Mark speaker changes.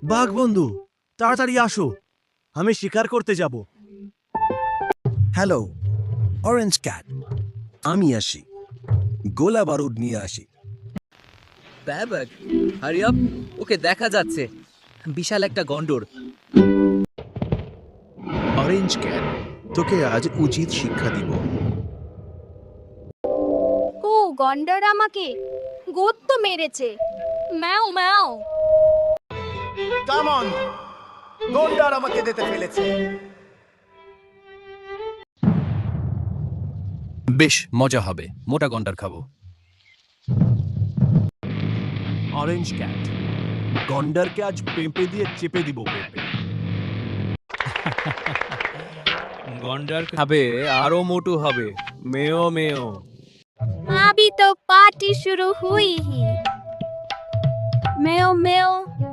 Speaker 1: বাঘ বন্ধু, তাড়াতাড়ি আসো, আমি শিকার করতে যাব।
Speaker 2: হ্যালো অরেঞ্জ ক্যাট, আমি আসি, গোলা বারুদ নিয়ে আসি।
Speaker 3: ব্যাবক, হারি আপ, ওকে দেখা যাচ্ছে, বিশাল একটা গন্ডর।
Speaker 4: অরেঞ্জ ক্যাট, তোকে আজ উচিত শিক্ষা দিব।
Speaker 5: ও গন্ডার আমাকে গর্ত মেরেছে। ম্যাও ম্যাও।
Speaker 6: কাম অন, গন্ডার আমাকে দিতে ফেলেছে।
Speaker 3: বেশ মজা হবে, মোটা গন্ডার খাবো।
Speaker 1: অরেঞ্জ ক্যাট, গন্ডারকে আজ পেঁপে দিয়ে চেপে দিব। পেঁপে
Speaker 7: গন্ডার খাবে, আরো মোটু হবে। মেও মেও।
Speaker 5: अभी तो पार्टी शुरू हुई ही। Mayo Mayo